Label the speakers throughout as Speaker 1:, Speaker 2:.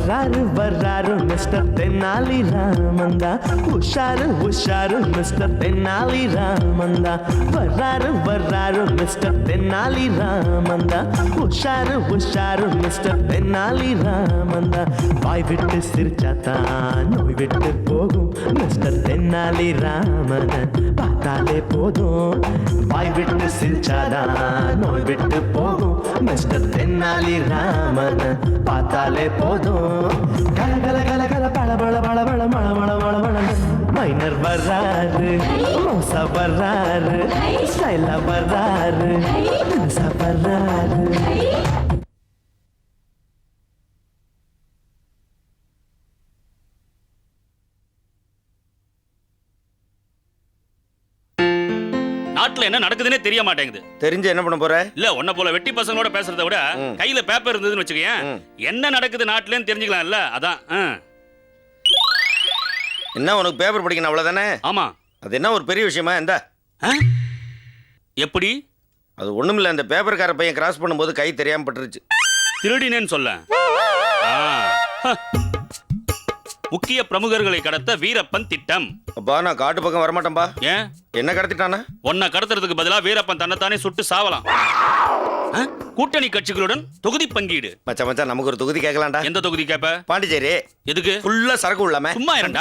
Speaker 1: வர்றாரு வர்றாரு மிஸ்டர் தென்னாலி ராமந்தா, உஷாரு உஷாரு மிஸ்டர் தென்னாலி ராமந்தா, வர்றாரு வர்றாரு மிஸ்டர் தென்னாலி ராமந்தா, உஷாரு உஷாரு மிஸ்டர் தென்னாலி ராமந்தா. வாய் விட்டு சிரிச்சாத்தான் நோய் விட்டு போகும் மிஸ்டர் தென்னாலி ராமன் பார்த்தாலே போதும். வாய் விட்டு சிரிச்சாதான் நோய் விட்டு போகும் மிஸ்டர் தென்னாலி ராமன் பார்த்தாலே போதும். கல கல கல கல பழ பழ பழ பழ மழ மழ மழ மழ. மைனர் வர்றாரு, மோசா வர்றாரு, ஸ்டைலா வர்றாரு, தினுசா வர்றாரு.
Speaker 2: நாட்டுல என்ன நடக்குதுன்னே தெரிய மாட்டேங்குது.
Speaker 3: தெரிஞ்சு என்ன பண்ண போற?
Speaker 2: இல்ல உன்ன போல வெட்டி பசங்களோட பேசுறத விட கையில பேப்பர் இருந்ததுன்னு வச்சுக்கேன், என்ன நடக்குது நாட்டுலன்னு தெரிஞ்சுக்கலாம்ல. அதான்.
Speaker 3: என்ன உனக்கு பேப்பர் படிக்கணும் அவ்வளவுதானே?
Speaker 2: ஆமா.
Speaker 3: அது என்ன ஒரு பெரிய விஷயமா? இந்த
Speaker 2: எப்படி?
Speaker 3: அது ஒண்ணுமில்ல, அந்த பேப்பர்கார பையன் கிராஸ் பண்ணும்போது கை தெரியாம பட்டுருச்சு.
Speaker 2: திருடினேன்னு சொல்ல. முக்கிய பிரமுகர்களை கடத்த வீரப்பன் திட்டம்.
Speaker 3: அப்பா நான் காட்டு பக்கம் வரமாட்டேன்பா.
Speaker 2: ஏன்?
Speaker 3: என்ன கடத்திட்டானா?
Speaker 2: உன்னை கடத்துறதுக்கு பதிலா வீரப்பன் தன்னைத்தானே சுட்டு சாவலாம். கூட்டணி கட்சிகளுடன் தொகுதி பங்கீடு.
Speaker 3: மச்சான் மச்சான் நமக்கு ஒரு தொகுதி கேட்கலாம்டா.
Speaker 2: எந்த தொகுதி கேப்ப?
Speaker 3: பாண்டிச்சேரி.
Speaker 2: எதுக்கு?
Speaker 3: ஃபுல்லா சரக்கு உள்ளாம.
Speaker 2: சும்மா இரண்டா.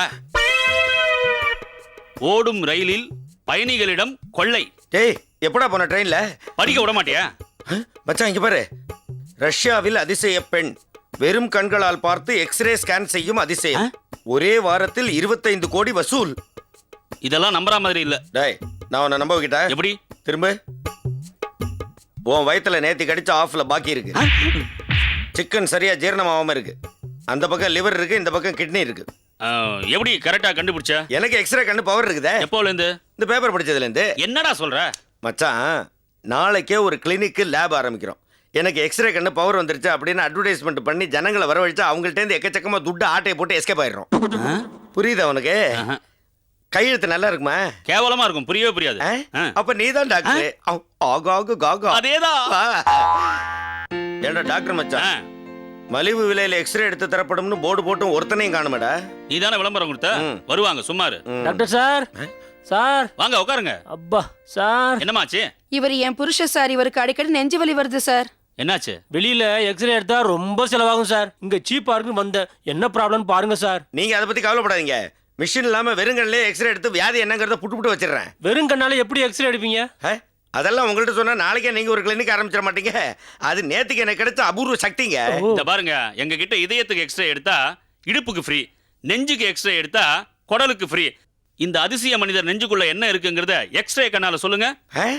Speaker 2: ஓடும் ரயிலில் பயணிகளிடம் கொள்ளை.
Speaker 3: டேய் எப்படா போன ட்ரெயின்ல?
Speaker 2: படிக்க விட மாட்டியா?
Speaker 3: மச்சான் இங்க பாரு. ரஷ்யாவில் அதிசய பெண் வெறும் கண்களால் பார்த்து எக்ஸ்ரே ஸ்கேன் செய்யும் அதிசயம். ஒரே வாரத்தில் 25 கோடி வசூல்.
Speaker 2: இதெல்லாம் நம்புற மாதிரி இல்ல.
Speaker 3: டேய் நான் உன்னை நம்ப வைக்கிட்டா?
Speaker 2: எப்படி?
Speaker 3: திரும்ப. உன் வயித்துல நேத்தி கடிச்ச ஆஃப்ல பாக்கி இருக்கு. சிக்கன் சரியா ஜீரணமாகாம இருக்கு. அந்த பக்கம் லிவர் இருக்கு, இந்த பக்கம் கிட்னி இருக்கு.
Speaker 2: எப்படி கரெக்டா கண்டுபிடிச்ச?
Speaker 3: எனக்கு எக்ஸ்ரே கண்ணு பவர் இருக்குதே.
Speaker 2: எப்போல இருந்து?
Speaker 3: இந்த பேப்பர் படிச்சதுல இருந்து.
Speaker 2: என்னடா சொல்ற?
Speaker 3: மச்சான் நாளைக்கே ஒரு கிளினிக் லேப் ஆரம்பிக்கிறோம். எனக்கு எக்ஸ்ரே கண்ணு பவர் வந்துருச்சு அப்படின்னு அட்வர்டைஸ்மெண்ட் பண்ணி ஜனங்களை வரவழைச்சா அவங்கள்ட்ட இருந்து எக்கச்சக்கமா துட்டு ஆட்டையை போட்டு எஸ்கேப் ஆயிடுறோம். புரியுதா உனக்கு? கையெழுத்து நல்லா இருக்குமா?
Speaker 2: கேவலமா இருக்கும், புரியவே புரியாது.
Speaker 3: அப்ப நீதான் டாக்டர்.
Speaker 2: அதேதான்.
Speaker 3: ஏண்டா டாக்டர் மச்சான், மலிவு விலையில எக்ஸ்ரே எடுத்து தரப்படும்னு போர்டு போட்டும் ஒருத்தனையும் காணுமேடா.
Speaker 2: நீ தானே விளம்பரம் கொடுத்த. வருவாங்க சும்மாரு.
Speaker 4: டாக்டர் சார், சார்
Speaker 2: வாங்க உட்காருங்க.
Speaker 4: அப்பா சார்.
Speaker 2: என்னமாச்சு?
Speaker 5: இவர் என் புருஷ சார், இவருக்கு அடிக்கடி நெஞ்சு வலி வருது சார்.
Speaker 2: என்னாச்சு?
Speaker 4: வெளியில எக்ஸ்ரே எடுத்தா ரொம்ப செலவாகும் சார். இங்க சீப்பா இருக்குன்னு வந்தேன். என்ன ப்ராப்ளம் பாருங்க சார்.
Speaker 3: நீங்க அதை பத்தி கவலைப்படாதீங்க. மிஷின் இல்லாம வெறுங்கல்லே எக்ஸ்ரே எடுத்து வியாதி என்னங்கறத புட்டு வச்சிடுறேன்.
Speaker 4: வெறும் கண்ணால எப்படி எக்ஸ்ரே எடுப்பீங்க?
Speaker 3: அதெல்லாம் உங்கள்ட்ட சொன்னா நாளைக்கே நீங்க ஒரு கிளினிக் ஆரம்பிச்சிட மாட்டீங்க. அது நேத்துக்கு எனக்கு கிடைச்ச அபூர்வ சக்திங்க.
Speaker 2: இந்த பாருங்க, எங்க கிட்ட இதயத்துக்கு எக்ஸ்ரே எடுத்தா இடுப்புக்கு ஃப்ரீ, நெஞ்சுக்கு எக்ஸ்ரே எடுத்தா குடலுக்கு ஃப்ரீ. இந்த அதிசய மனிதர் நெஞ்சுக்குள்ள என்ன இருக்குங்கிறத எக்ஸ்ரே கண்ணால சொல்லுங்க.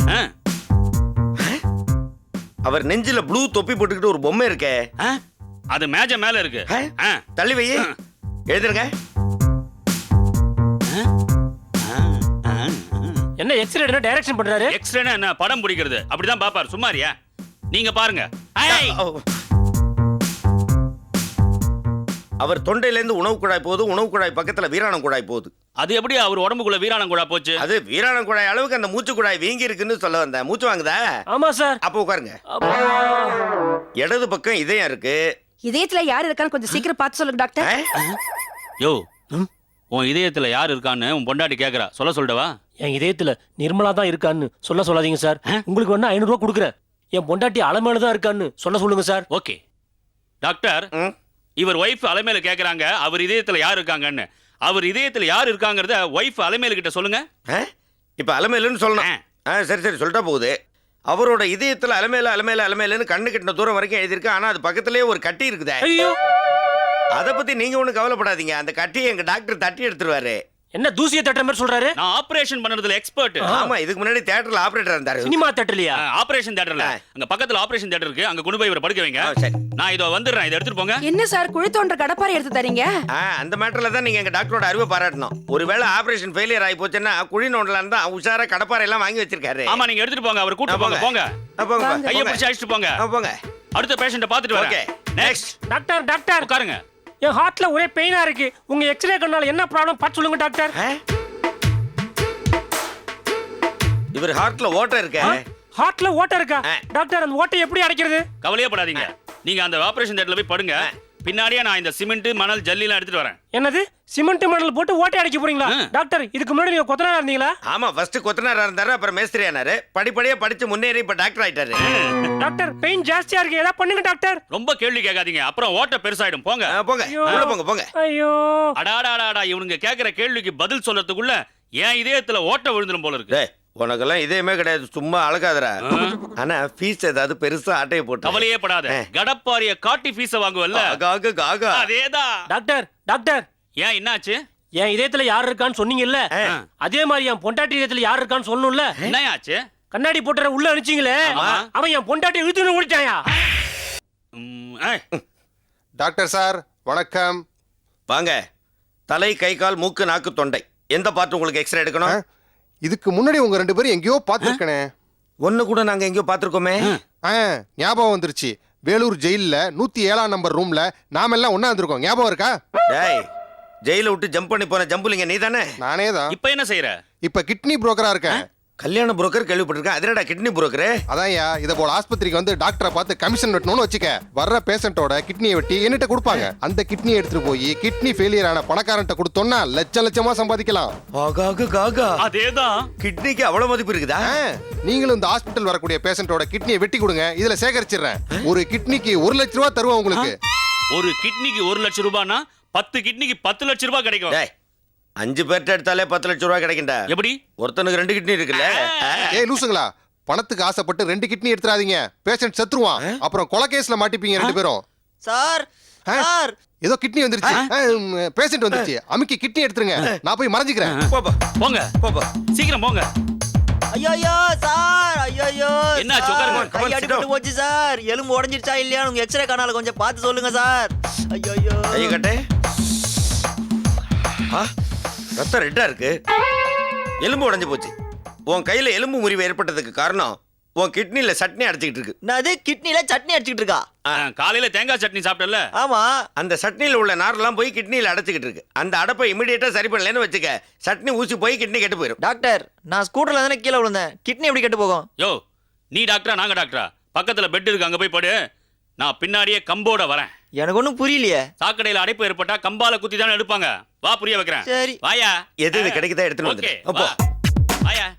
Speaker 3: அவர் நெஞ்சில ப்ளூ தொப்பி போட்டுக்கிட்டு ஒரு பொம்மை இருக்கே,
Speaker 2: அது மேஜ மேல இருக்கு.
Speaker 3: தள்ளி வை, எழுதுங்க.
Speaker 4: என்ன எக்ஸ்ரே எடுனா டைரக்ஷன் பண்றாரு?
Speaker 2: எக்ஸ்ரேனா என்ன? படம் பிடிக்கிறது. அப்படிதான் பாப்பாரு. சும்மாரியா? நீங்க பாருங்க.
Speaker 3: அவர் தொண்டையில இருந்து உணவு குழாய் போகுது, உணவு குழாய் பக்கத்துல வீராணம் குழாய் போகுது.
Speaker 2: அது எப்படி அவர் உடம்புக்குள்ள வீராணம் குழாய் போச்சு?
Speaker 3: அது வீராணம் குழாய் அளவுக்கு அந்த மூச்சு குழாய் வீங்கி இருக்குன்னு சொல்ல வந்தேன். மூச்சு வாங்குதா?
Speaker 4: ஆமா சார்.
Speaker 3: அப்ப உட்காருங்க. இடது பக்கம் இதயம் இருக்கு.
Speaker 5: இதயத்துல யார் இருக்கான்னு கொஞ்சம் சீக்கிரம் பார்த்து சொல்லுங்க டாக்டர்.
Speaker 2: யோ, உன் இதயத்துல யார் இருக்கான்னு உன் பொண்டாட்டி கேக்குறா. சொல்லவா?
Speaker 4: என் இதயத்துல நிர்மலா தான் இருக்கான்னு சொல்லாதீங்க சார். உங்களுக்கு வேணா 500 ரூபாய் கொடுக்குறேன். என் பொண்டாட்டி அலமேல தான் இருக்கான்னு சொல்லுங்க சார்.
Speaker 2: ஓகே டாக்டர், இவர் ஒய்ஃப் அலமேல கேக்குறாங்க அவர் இதயத்துல யார் இருக்காங்கன்னு. அவர் இதயத்துல யார் இருக்காங்கறத ஒய்ஃப் அலமேல கிட்ட சொல்லுங்க.
Speaker 3: இப்ப அலமேலுன்னு சொல்லணும். சரி சரி சொல்லிட்டா போகுது. அவரோட இதயத்துல அலமேல அலமேல அலமேலன்னு கண்ணு கிட்ட தூரம் வரைக்கும் எழுதிருக்கு. ஆனா அது பக்கத்திலேயே ஒரு கட்டி இருக்குதே.
Speaker 4: ஐயோ,
Speaker 3: அதை பத்தி நீங்க ஒன்றும் கவலைப்படாதீங்க. அந்த கட்டியை எங்க டாக்டர் தட்டி எடுத்துருவாரு.
Speaker 4: என்ன தூசியை தட்டுற மாதிரி சொல்றாரு?
Speaker 2: நான் ஆபரேஷன் பண்றதுல எக்ஸ்பர்ட்.
Speaker 3: ஆமா, இதுக்கு முன்னாடி தியேட்டர்ல ஆபரேட்டர் இருந்தாரு.
Speaker 4: சினிமா தியேட்டர்லயா?
Speaker 2: ஆபரேஷன் தியேட்டர்ல. அங்க பக்கத்துல ஆபரேஷன் தியேட்டர் இருக்கு. அங்க கொண்டு போய் இவரை படுக்க வைங்க. நான் இதோ வந்துடுறேன். இதை எடுத்துட்டு போங்க.
Speaker 5: என்ன சார் குழி தோன்ற கடப்பாரை எடுத்து தரீங்க?
Speaker 3: அந்த மேட்டர்ல தான் நீங்க எங்க டாக்டரோட அறிவை பாராட்டணும். ஒருவேளை ஆபரேஷன் ஃபெயிலியர் ஆகி போச்சுன்னா குழி நோண்டலாம் தான் உஷாரா கடப்பாரை எல்லாம் வாங்கி வச்சிருக்காரு.
Speaker 2: ஆமா, நீங்க எடுத்துட்டு போங்க. அவர் கூட்டி போங்க. போங்க, கையை பிடிச்சு அழைச்சிட்டு போங்க.
Speaker 3: போங்க.
Speaker 2: அடுத்த பேஷண்ட பாத்துட்டு வரேன். நெக்ஸ்ட்.
Speaker 4: டாக்டர்
Speaker 2: உட்காருங்க.
Speaker 4: என் ஹார்ட்ல ஒரே பெயினா இருக்கு. உங்க எக்ஸ்ரே கண்ணால என்ன ப்ராப்ளம் பார்த்து சொல்லுங்க டாக்டர்.
Speaker 3: இவர் ஹார்ட்ல ஓட்டை இருக்கு.
Speaker 4: ஹார்ட்ல ஓட்டை இருக்கா? டாக்டர் அந்த ஓட்டை எப்படி அடைக்கிறது?
Speaker 2: கவலையே படாதீங்க. நீங்க அந்த ஆபரேஷன் தியேட்டர்ல போய் படுங்க. பின்னாடியே நான் இந்த சிமெண்ட் மணல் ஜல்லிலாம் எடுத்துட்டு வரேன்.
Speaker 4: என்னது சிமெண்ட் மணல் போட்டு ஓட்டை அடிக்க போறீங்களா டாக்டர்? இதுக்கு முன்னாடி நீங்க கொத்தனாரா இருந்தீங்களா?
Speaker 3: ஆமா, ஃபர்ஸ்ட் கொத்தனாரா இருந்தாரு, அப்புறம் மேஸ்திரி ஆனாரு, படிப்படியா படிச்சு முன்னேறி இப்ப டாக்டர் ஆயிட்டாரு.
Speaker 4: டாக்டர் பெயின் ஜாஸ்தியா இருக்கு, ஏதாவது பண்ணுங்க டாக்டர்.
Speaker 2: ரொம்ப கேள்வி கேட்காதீங்க, அப்புறம் ஓட்ட பெருசாயிடும். போங்க.
Speaker 3: போங்க உள்ள போங்க போங்க.
Speaker 4: ஐயோ
Speaker 2: அடாடாடாடா, இவனுங்க கேக்குற கேள்விக்கு பதில் சொல்றதுக்குள்ள என் இதயத்துல ஓட்ட விழுந்துரும் போல இருக்கு.
Speaker 3: டேய், உனக்கெல்லாம் இதேமே கிடையாது, சும்மா அழகாதரா. ஆனா ஃபீஸ் ஏதாவது பெருசா ஆட்டையை போட்டு
Speaker 2: கவலையே படாத, கடப்பாரிய காட்டி ஃபீஸ வாங்குவல்ல, அதேதான்.
Speaker 4: டாக்டர் டாக்டர்,
Speaker 2: ஏன் என்னாச்சு?
Speaker 4: என் இதயத்துல யார் இருக்கான்னு சொன்னீங்கல்ல, அதே மாதிரி என் பொண்டாட்டி இதயத்துல யார் இருக்கான்னு சொல்லணும்ல.
Speaker 2: என்ன ஆச்சு?
Speaker 4: கண்ணாடி போட்டுற உள்ள அனுப்பிச்சீங்களே, அவன் என் பொண்டாட்டி இழுத்துன்னு ஓடிட்டாயா?
Speaker 6: டாக்டர் சார் வணக்கம்.
Speaker 3: வாங்க. தலை, கை, கால், மூக்கு, நாக்கு, தொண்டை, எந்த பார்ட் உங்களுக்கு எக்ஸ்ரே எடுக்கணும்?
Speaker 6: இதுக்கு முன்னாடி உங்க 2 பேரும் எங்கேயோ பார்த்துருக்கனே.
Speaker 3: ஒன்னு கூட நாங்க எங்கேயோ பார்த்திருக்கோமே.
Speaker 6: ஞாபகம் வந்துருச்சு. வேலூர் ஜெயில்ல 107ஆம் நம்பர் ரூம்ல நாம எல்லாம் ஒண்ணா இருந்திருக்கோம். ஞாபகம் இருக்கா?
Speaker 3: டேய், ஜெயில விட்டு ஜம்ப் பண்ணி போன ஜம்புலிங்க நீ தானே?
Speaker 6: நானே தான்.
Speaker 2: இப்ப என்ன செய்யற?
Speaker 6: இப்ப கிட்னி புரோக்கரா இருக்கேன்.
Speaker 3: கல்யாண புரோக்கர் கேள்விப்பட்டிருக்கேன், அதனடா கிட்னி புரோக்கர்?
Speaker 6: அதான்யா, இத போல ஆஸ்பத்திரிக்கு வந்து டாக்டரை பார்த்து கமிஷன் வெட்டணும்னு வச்சுக்க. வர்ற பேஷண்டோட கிட்னியை வெட்டி என்கிட்ட கொடுப்பாங்க. அந்த கிட்னியை எடுத்துட்டு போய் கிட்னி ஃபெயிலியர் ஆன பணக்காரன்ட்ட கொடுத்தோம்னா லட்சமா சம்பாதிக்கலாம்.
Speaker 2: அதேதான்.
Speaker 3: கிட்னிக்கு அவ்வளவு மதிப்பு இருக்குதா?
Speaker 6: நீங்களும் இந்த ஹாஸ்பிட்டல் வரக்கூடிய பேஷண்டோட கிட்னியை வெட்டி கொடுங்க, இதுல சேகரிச்சிடுறேன். ஒரு கிட்னிக்கு 1 லட்ச ரூபாய் தருவோம் உங்களுக்கு.
Speaker 2: ஒரு கிட்னிக்கு 1 லட்சம் ரூபாய்னா 10 கிட்னிக்கு 10 லட்சம் ரூபாய் கிடைக்கும்.
Speaker 3: டேய், 5 பேர்ட்ட எடுத்தாலே 10 லட்சம் ரூபாய் கிடைக்கும்டா.
Speaker 2: எப்படி?
Speaker 3: ஒருத்தனுக்கு 2 கிட்னி இருக்குல்ல.
Speaker 6: ஏய் லூசுங்களா, பணத்துக்கு ஆசைப்பட்டு 2 கிட்னி எடுத்துறாதீங்க, பேஷண்ட் செத்துருவான். அப்புறம் கொலை கேஸ்ல மாட்டிப்பீங்க 2 பேரும்.
Speaker 7: சார் சார்,
Speaker 6: ஏதோ கிட்னி வந்துருச்சு, பேஷண்ட் வந்துருச்சு, அமுக்கி கிட்னி எடுத்துருங்க, நான் போய் மறைஞ்சிக்கிறேன்.
Speaker 3: போப்பா
Speaker 2: போங்க
Speaker 3: போப்பா.
Speaker 2: சீக்கிரம் போங்க.
Speaker 7: ஐயோ சார், ஐயோ
Speaker 2: என்னாச்சு? உட்காருங்க.
Speaker 7: கை அடிபட்டு போச்சு சார். எலும்பு உடைஞ்சிருச்சா இல்லையான்னு உங்க எக்ஸ்ரே கனால கொஞ்சம் பார்த்து சொல்லுங்க சார். ஐயோ
Speaker 3: கையை கட்டு. ரத்தம் ரெட்டா இருக்கு, எலும்பு உடைஞ்சு போச்சு. உன் கையில எலும்பு முறிவு ஏற்பட்டதுக்கு காரணம் உன் கிட்னில சட்னி அடிச்சுக்கிட்டு இருக்கு.
Speaker 7: நான் கிட்னில சட்னி அடிச்சுக்கிட்டு இருக்கா?
Speaker 2: காலையில தேங்காய் சட்னி சாப்பிட்டல?
Speaker 7: ஆமா.
Speaker 3: அந்த சட்னியில உள்ள நாரெல்லாம் போய் கிட்னில அடைச்சுக்கிட்டு இருக்கு. அந்த அடப்பை இமிடியேட்டா சரி பண்ணலன்னு வச்சுக்க, சட்னி ஊசி போய் கிட்னி கெட்டு போயிடும்.
Speaker 7: டாக்டர், நான் ஸ்கூட்டர்ல தானே கீழே விழுந்தேன், கிட்னி எப்படி கெட்டு போகும்?
Speaker 2: யோ, நீ டாக்டரா நாங்க டாக்டரா? பக்கத்துல பெட் இருக்கு, அங்க போய் படு. நான் பின்னாடியே கம்போட வரேன்.
Speaker 7: எனக்கு ஒன்றும் புரியலையே.
Speaker 2: சாக்கடையில அடைப்பு ஏற்பட்டா கம்பால குத்தி தானே எடுப்பாங்க. வா, புரிய வைக்கிறேன்.
Speaker 7: சரி
Speaker 2: வாயா.
Speaker 3: எது இது கிடைக்குதா எடுத்துட்டு வந்து.
Speaker 2: ஓகே, வா. வாயா.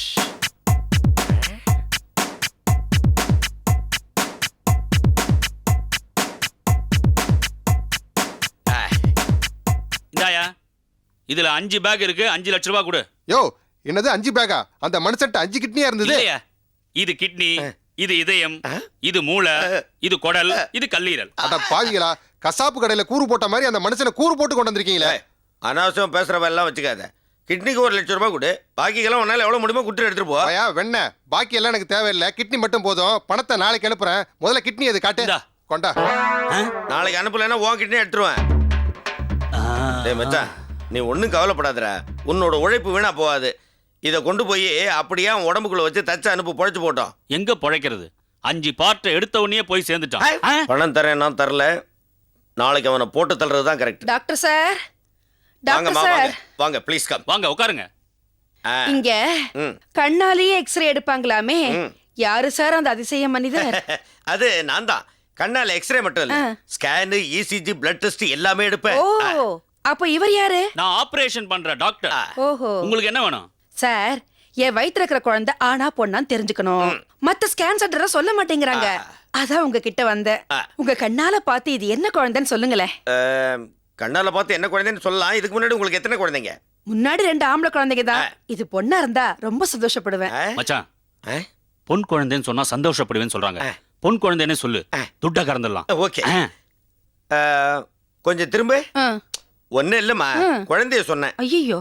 Speaker 2: இந்தாயா, இதுல 5 பேக் இருக்கு, 5 லட்சம் ரூபாய் கொடு.
Speaker 6: யோ, என்னது 5 பேக்கா? அந்த மனுஷன்ட்ட 5 கிட்னியா இருந்தது.
Speaker 2: இல்லையா, இது கிட்னி, இது இதயம், இது மூளை, இது குடல், இது கல்லீரல்.
Speaker 6: அட பாவிகளா, கசாப்பு கடையில கூறு போட்ட மாதிரி அந்த மனுஷனை கூறு போட்டு கொண்டு வந்திருக்கீங்களே.
Speaker 3: அனாவசியம் பேசுறவ எல்லாம் வச்சுக்காத. கிட்னிக்கு 1 லட்சம் ரூபாய் கொடு, பாக்கிக்கெல்லாம் உன்னால எவ்வளவு முடியுமோ குட்டு எடுத்துட்டு போ.
Speaker 6: ஐயா வெண்ண, பாக்கி எல்லாம் எனக்கு தேவையில்லை, கிட்னி மட்டும் போதும். பணத்தை நாளைக்கு அனுப்புறேன், முதல்ல கிட்னி எது காட்டு.
Speaker 2: இந்தா.
Speaker 6: கொண்டா.
Speaker 3: நாளைக்கு அனுப்பலைன்னா உன் கிட்னி எடுத்துருவேன். டேய் மச்சான், நீ ஒன்றும் கவலைப்படாதடா, உன்னோட உழைப்பு வீணா போகாது. இதை கொண்டு போய் அப்படியே அவன் உடம்புக்குள்ள வச்சு தச்சு அனுப்பு, பொழைச்சு போட்டோம்.
Speaker 2: எங்க பொழைக்கிறது? 5 பார்ட்டை எடுத்த உடனே போய் சேர்ந்துட்டான்.
Speaker 3: பணம் தரேன், நான் தரல. நாளைக்கு அவனை போட்டு தள்ளுறது தான் கரெக்ட்.
Speaker 5: டாக்டர் சார்,
Speaker 3: வாங்கம்மா,
Speaker 5: டாக்டர்
Speaker 3: வாங்க
Speaker 5: சார்,
Speaker 3: வாங்க ப்ளீஸ் கம்.
Speaker 2: வாங்க உட்காருங்க.
Speaker 5: இங்க கண்ணாலேயே எக்ஸ்ரே எடுப்பாங்களாமே, யாரு சார் அந்த அதிசய மனிதர்?
Speaker 3: அது நான் தான். கண்ணால எக்ஸ்ரே மட்டும் இல்ல, ஸ்கேனு, இசிஜி, பிளட் டெஸ்ட் எல்லாமே எடுப்பேன்.
Speaker 5: ஓ, அப்ப இவர் யாரு?
Speaker 2: நான் ஆபரேஷன் பண்ற டாக்டர்.
Speaker 5: ஓஹோ.
Speaker 2: உங்களுக்கு என்ன வேணும்?
Speaker 5: சார், என் வயித்துல இருக்கிற குழந்தை ஆனா பொண்ணான்னு தெரிஞ்சுக்கணும். மத்த ஸ்கேன் சென்டர் சொல்ல மாட்டேங்கிறாங்க, அதான் உங்ககிட்ட வந்தேன். உங்க கண்ணால பார்த்து இது என்ன குழந்தைன்னு சொல்லுங்களேன்.
Speaker 3: கண்ணால பார்த்து என்ன குழந்தைன்னு சொல்லலாம். இதுக்கு முன்னாடி உங்களுக்கு எத்தனை குழந்தைங்க?
Speaker 5: முன்னாடி 2 ஆம்பளை குழந்தைங்க தான். இது பொண்ணா இருந்தா ரொம்ப சந்தோஷப்படுவேன்.
Speaker 2: மச்சான், பொன் குழந்தைன்னு சொன்னா சந்தோஷப்படுவேன்னு சொல்றாங்க. பொன் குழந்தைன்னு சொல்லு, துட்டா கறந்துடலாம்.
Speaker 3: ஓகே, கொஞ்சம் திரும்ப. ஒன்னும் இல்லம்மா, குழந்தைய சொன்னேன்.
Speaker 5: ஐயோ,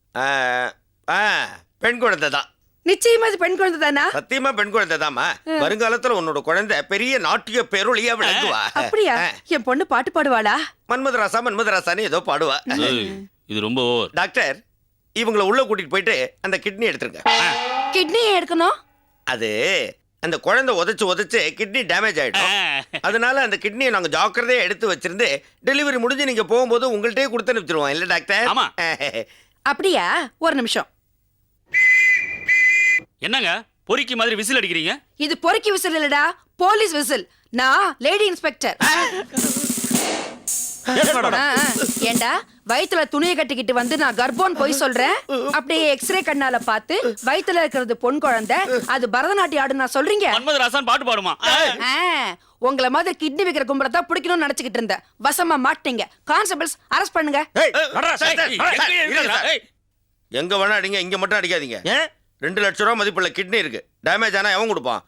Speaker 3: பெண் குழந்தை தான்.
Speaker 5: நிச்சயமா இது பெண் குழந்தை தானா?
Speaker 3: சத்தியமா பெண் குழந்தை தாமா. வருங்காலத்துல உன்னோட குழந்தை பெரிய நாட்டிய பேரொழியா விளங்குவா.
Speaker 5: அப்படியா? என் பொண்ணு பாட்டு பாடுவாளா?
Speaker 3: மன்மதராசா மன்மதராசான்னு ஏதோ பாடுவா.
Speaker 2: இது ரொம்ப ஓவர்.
Speaker 3: டாக்டர், இவங்களை உள்ள கூட்டிட்டு போயிட்டு அந்த கிட்னி எடுத்துருங்க.
Speaker 5: கிட்னி எடுக்கணும்?
Speaker 3: அது அந்த குழந்தை உதைச்சு கிட்னி டேமேஜ் ஆயிடும். அதனால அந்த கிட்னியை நாங்க ஜாக்கிரதையா எடுத்து வச்சிருந்து டெலிவரி முடிஞ்சு நீங்க போகும்போது உங்கள்கிட்டயே கொடுத்து அனுப்பிச்சிருவோம். இல்ல டாக்டர்?
Speaker 2: ஆமா.
Speaker 5: அப்படியா? ஒரு நிமிஷம்.
Speaker 2: என்னங்க பொறிக்கு மாதிரி விசில் அடிக்கிறீங்க?
Speaker 5: இது பொறுக்கி விசில் இல்லடா, போலீஸ் விசில். நான் லேடி இன்ஸ்பெக்டர். ஏண்டா வயித்துல துணியை கட்டிக்கிட்டு வந்து நான் கர்ப்பம் போய் சொல்றேன், அப்படியே எக்ஸ்ரே கண்ணால பார்த்து வயித்துல இருக்கிறது பொன் குழந்தை, அது பரதநாட்டியம் ஆடு நான் சொல்றீங்க.
Speaker 2: மன்மதராசன் பாட்டு பாடுமா?
Speaker 5: உங்கள மாதிரி கிட்னி வைக்கிற கும்பலை தான் பிடிக்கணும்னு நினைச்சுக்கிட்டு இருந்தேன். வசமா மாட்டீங்க. கான்ஸ்டபிள்ஸ் அரெஸ்ட் பண்ணுங்க.
Speaker 3: எங்க வேணா அடிங்க, இங்க மட்டும் அடிக்காதீங்க. 2 லட்சம் ரூபாய் மதிப்புள்ள கிட்னி இருக்கு. டேமேஜ் ஆனா எவன் கொடுப்பான்?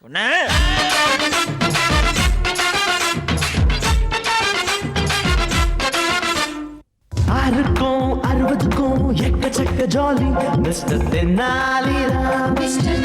Speaker 1: ஆறுக்கும் 60க்கும் எக்கச்சக்க ஜாலி மிஸ்டர் தென்னாலிராம்.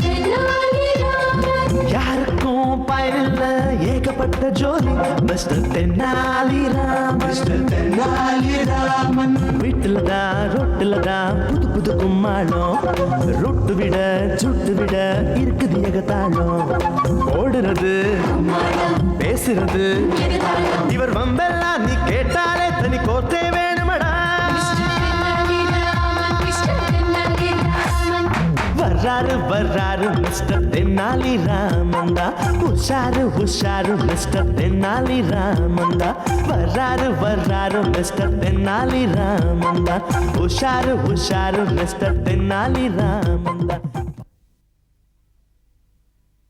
Speaker 1: யாருக்கும் பயனில்ல ஏகப்பட்ட ஜோலி மிஸ்டர் தென்னாலிராம். மிஸ்டர் தென்னாலிராமன் வீட்டுல தான் ரொட்டுல தான் புது புது கும்மாளம், ரொட்டு விட சுட்டு விட இருக்குது ஏகத்தாளம். ஓடுறது பேசுறது இவர் வம்பெல்லாம் நீ கேட்டாலே தனி கோர்த்தே வேணுமடா. வர்றாரு வர்றாரு மிஸ்டர் தென்னாலி ராமந்தா, உஷாரு உஷாரு மிஸ்டர் தென்னாலி ராமந்தா. வர்றாரு வர்றாரு மிஸ்டர் தென்னாலி ராமந்தா, உஷாரு உஷாரு மிஸ்டர் தென்னாலி ராமந்தா.